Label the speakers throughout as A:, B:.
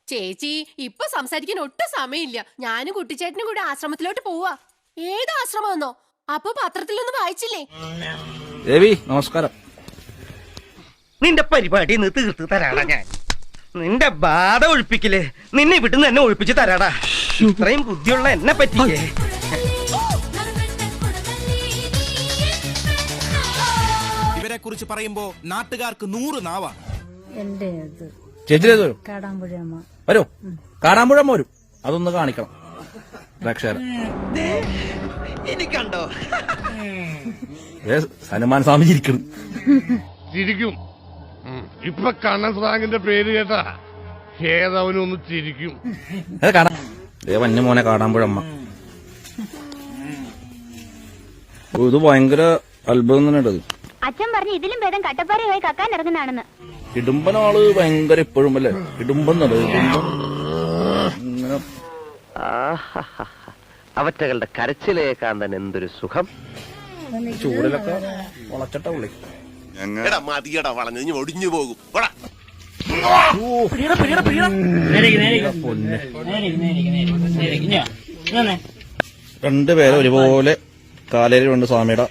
A: ചേച്ചി ഇപ്പൊ സംസാരിക്കാൻ ഒട്ടും സമയമില്ല. ഞാനും കുട്ടിച്ചേട്ടനും കൂടെ ആശ്രമത്തിലോട്ട് പോവാ. ഏത് ആശ്രമമെന്നോ? അപ്പൊ പത്രത്തിലൊന്നും വായിച്ചില്ലേ?
B: ദേവി നമസ്കാരം.
C: നിന്റെ പരിപാടി തീർത്ത് തരാടാ ഞാൻ. നിന്റെ ബാധ ഒഴിപ്പിക്കല് നിന്നെ വിട്ടുന്ന് എന്നെ ഒഴിപ്പിച്ച് തരാടാ. ഇത്രയും ബുദ്ധിയുള്ള എന്നെ പറ്റിയേ.
D: ഇവരെ കുറിച്ച് പറയുമ്പോ നാട്ടുകാർക്ക് 100 നാവാണ്.
B: ചേച്ചി വരൂ, കാടാമ്പുഴമ്മ വരും. അതൊന്ന് കാണിക്കണം പ്രേക്ഷകരെ.
C: എനിക്കണ്ടോ
B: ഹനുമാൻ സ്വാമി ചിരിക്കണം.
E: ചിരിക്കും. ഇപ്പൊ കണ്ണൻ സ്രാങ്കിന്റെ പേര് കേട്ടാ ഏതവനൊന്ന് ചിരിക്കും.
B: വന്യ മോനെ കാടാമ്പുഴമ്മ. ഇത് ഭയങ്കര അത്ഭുതം തന്നെ.
F: അച്ഛൻ പറഞ്ഞു ഇതിലും ഭേദം കട്ടപ്പാറയായി കക്കാൻ ഇറങ്ങുന്നതാണെന്ന്.
B: ഇടുമ്പനാള് ഭയങ്കര ഇപ്പോഴും അല്ലേ ഇടുമ്പെന്നത്.
C: അവറ്റകളുടെ കരച്ചിലേക്കാൻ തന്നെ എന്തൊരു സുഖം.
B: ചൂടിലൊക്കെ വളച്ചിട്ട പുള്ളി.
D: മതിയടാ വളഞ്ഞു ഒടിഞ്ഞു പോകും.
B: രണ്ടുപേരെ ഒരുപോലെ കാലേലുണ്ട് സ്വാമിയുടെ.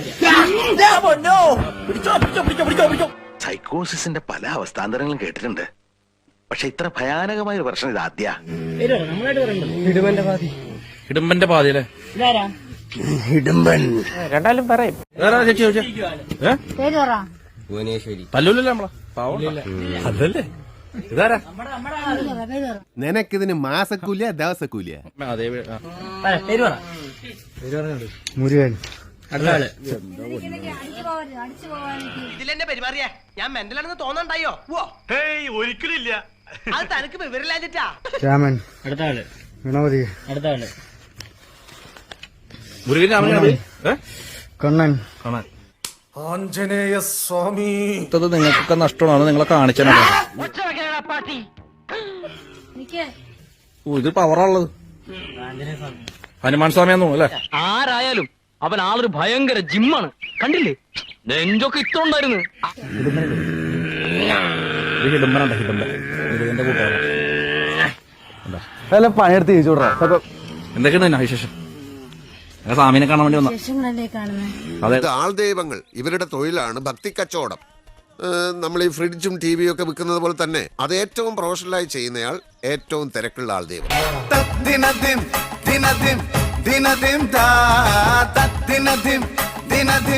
G: സൈക്കോസിന്റെ പല അവസ്ഥാന്തരങ്ങളും കേട്ടിട്ടുണ്ട്. പക്ഷെ ഇത്ര ഭയാനകമായ ഒരു പ്രശ്നം ഇത് ആദ്യ.
B: ഇടുമ്പന്റെ പാതിയല്ലേ
C: ഇടുമ്പൻ. രണ്ടാലും പറയും.
B: പല്ലൂലല്ലേ നമ്മളെ അതല്ലേ ഇതാരാ?
H: നിനക്കിതിന് മാസക്കൂലിയ ദിവസക്കൂലിയ?
C: മുരുകൻ.
I: ഇതിലെന്നെ പെരുമാറിയാ ഞാൻ മെന്റലാണെന്ന് തോന്നണ്ടായോ?
E: ഒരിക്കലില്ല.
I: അത് തനിക്ക് വിവരമില്ലാഞ്ഞിട്ടാ.
C: രാമൻ. അടുത്ത ആള് ഗണപതി. അടുത്ത ആള്
B: മുരുകൻ.
C: കണ്ണൻ.
B: കാണാൻ ആഞ്ജനേയ സ്വാമി. നിങ്ങൾക്കൊക്കെ നഷ്ടമാണ്. നിങ്ങളെ കാണിച്ചാൽ ഇത് പവറുള്ളത് ഹനുമാൻ സ്വാമിയാന്ന് തോന്നുന്നു അല്ലേ?
I: ആരായാലും അവൻ ആളൊരു ഭയങ്കര ജിമ്മാണ്. കണ്ടില്ലേ നെഞ്ചൊക്കെ ഇത്ര ഉണ്ടായിരുന്നു.
B: ഹിഡുമ്പനുണ്ട്. ഹിഡുമ്പൻ മുരുകന്റെ കൂട്ടുകാരൻ.
C: പണിയെടുത്ത് ചോദിച്ചോടാ.
B: എന്തൊക്കെയാണ് വിശേഷം? സ്വാമിനെ കാണാൻ വേണ്ടി വന്ന
J: ആൾദൈവങ്ങൾ ഇവരുടെ തൊഴിലാണ് ഭക്തി കച്ചവടം. നമ്മൾ ഈ ഫ്രിഡ്ജും ടിവിയും ഒക്കെ വിൽക്കുന്നത് പോലെ തന്നെ അത് ഏറ്റവും പ്രൊഫഷണലായി ചെയ്യുന്നയാൾ ഏറ്റവും തിരക്കുള്ള ആൾദൈവം.